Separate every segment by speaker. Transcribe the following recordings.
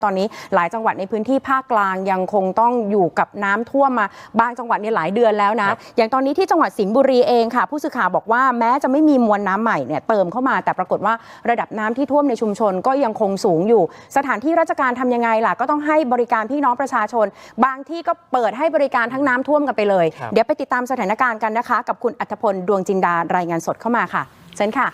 Speaker 1: ตอนนี้หลายจังหวัดในพื้นที่ภาคกลางยังคงต้องอยู่กับน้ำท่วมมาบางจังหวัดเนี่ยหลายเดือนแล้วนะอย่างตอนนี้ที่จังหวัดสิงห์บุรีเองค่ะผู้สื่อข่าวบอกว่าแม้จะไม่มีมวลน้ำใหม่เนี่ยเติมเข้ามาแต่ปรากฏว่าระดับน้ำที่ท่วมในชุมชนก็ยังคงสูงอยู่สถานที่ราชการทำยังไงล่ะก็ต้องให้บริการพี่น้องประชาชนบางที่ก็เปิดให้บริการทั้งน้ำท่วมกันไปเลยเดี๋ยวไปติดตามสถานการณ์กันนะคะกับคุณอัธพลดวงจินดารายงานสดเข้ามาค่ะเชิญค่ะ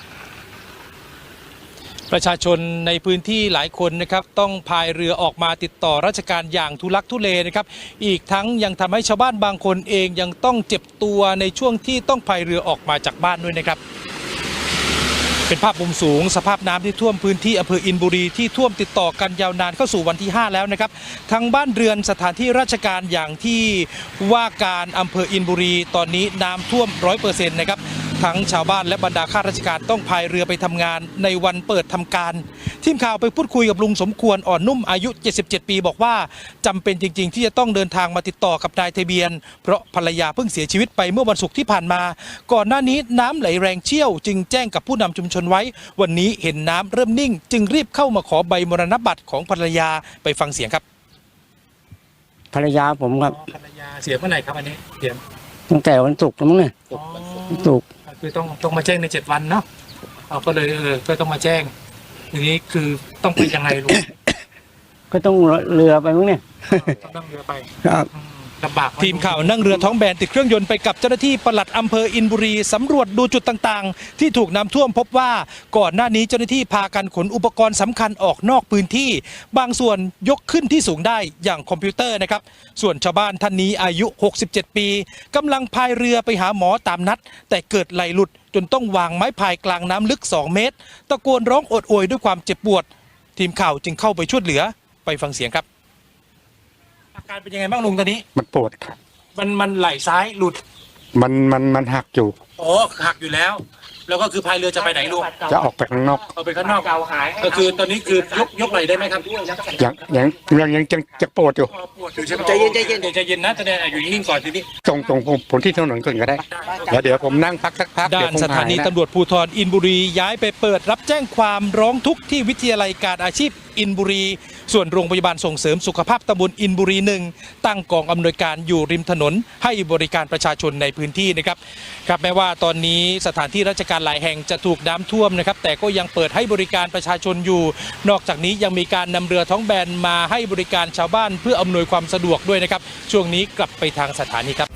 Speaker 2: ประชาชนในพื้นที่หลายคนนะครับต้องพายเรือออกมาติดต่อราชการอย่างทุลักทุเลนะครับอีกทั้งยังทำให้ชาวบ้านบางคนเองยังต้องเจ็บตัวในช่วงที่ต้องพายเรือออกมาจากบ้านด้วยนะครับเป็นภาพมุมสูงสภาพน้ำที่ท่วมพื้นที่อำเภออินบุรีที่ท่วมติดต่อกันยาวนานเข้าสู่วันที่5แล้วนะครับทั้งบ้านเรือนสถานที่ราชการอย่างที่ว่าการอำเภออินบุรีตอนนี้น้ำท่วม 100% นะครับทั้งชาวบ้านและบรรดาข้าราชการต้องพายเรือไปทำงานในวันเปิดทำการทีมข่าวไปพูดคุยกับลุงสมควรอ่อนนุ่มอายุ77ปีบอกว่าจำเป็นจริงๆที่จะต้องเดินทางมาติดต่อกับนายทะเบียนเพราะภรรยาเพิ่งเสียชีวิตไปเมื่อวันศุกร์ที่ผ่านมาก่อนหน้านี้น้ำไหลแรงเชี่ยวจึงแจ้งกับผู้นำชุมชนไว้วันนี้เห็นน้ำเริ่มนิ่งจึงรีบเข้ามาขอใบมรณบัตรของภรรยาไปฟังเสียงครับ
Speaker 3: ภรรยาผมครับ
Speaker 2: ภรรยาเสียเมื่อไหร่ครับอันนี้เสีย
Speaker 3: ตั้งแต่วันศุกร์แล้วมั้งเนี่ยศุกร์
Speaker 2: คือต้องมาแจ้งใน7 วันเนาะเราก็เลยก็ต้องมาแจ้งทีนี้คือต้องไปยังไงลุง
Speaker 3: ก็ต้องเรือไปมั้งเนี่ย
Speaker 2: ต้องนั่งเรือไป
Speaker 3: ครับ
Speaker 2: ลำบากทีมข่าวนั่งเรือท้องแบนติดเครื่องยนต์ไปกับเจ้าหน้าที่ปลัดอำเภออินบุรีสำรวจดูจุดต่างๆที่ถูกน้ำท่วมพบว่าก่อนหน้านี้เจ้าหน้าที่พากันขนอุปกรณ์สำคัญออกนอกพื้นที่บางส่วนยกขึ้นที่สูงได้อย่างคอมพิวเตอร์นะครับส่วนชาวบ้านท่านนี้อายุ67ปีกำลังพายเรือไปหาหมอตามนัดแต่เกิดไหลหลุดจนต้องวางไม้พายกลางน้ำลึก2 เมตรตะโกนร้องโอดโอยด้วยความเจ็บปวดทีมข่าวจึงเข้าไปช่วยเหลือไปฟังเสียงครับอาการเป็นยังไงบ้างลุงตอนนี้
Speaker 4: มันปวดครับ
Speaker 2: มันไหลซ้ายหลุด
Speaker 4: มันหักอยู่
Speaker 2: อ๋อหักอยู่แล้วก็คือพายเรือจะไปไหนลุง
Speaker 4: จะออกไปข้างนอก
Speaker 2: เอาไปข้างนอกก็คือตอนนี้คือยกไหลได้ไหมครับ
Speaker 4: ยังจะปวดอยู่
Speaker 2: ใช่ไหมใจเย็นนะตอนนี้อยู่นิ่งๆก่อนทีนี้
Speaker 4: ตรงผมที่ถนนก่อนก็ได้เดี๋ยวผมนั่งพักสักพัก
Speaker 2: ด้านสถานีตำรวจภูธรอินบุรีย้ายไปเปิดรับแจ้งความร้องทุกข์ที่วิทยาลัยการอาชีพอินบุรีส่วนโรงพยาบาลส่งเสริมสุขภาพตำบลอินบุรี1ตั้งกองอำนวยการอยู่ริมถนนให้บริการประชาชนในพื้นที่นะครับแม้ว่าตอนนี้สถานที่ราชการหลายแห่งจะถูกน้ำท่วมนะครับแต่ก็ยังเปิดให้บริการประชาชนอยู่นอกจากนี้ยังมีการนำเรือท้องแบนมาให้บริการชาวบ้านเพื่ออำนวยความสะดวกด้วยนะครับช่วงนี้กลับไปทางสถานีครับ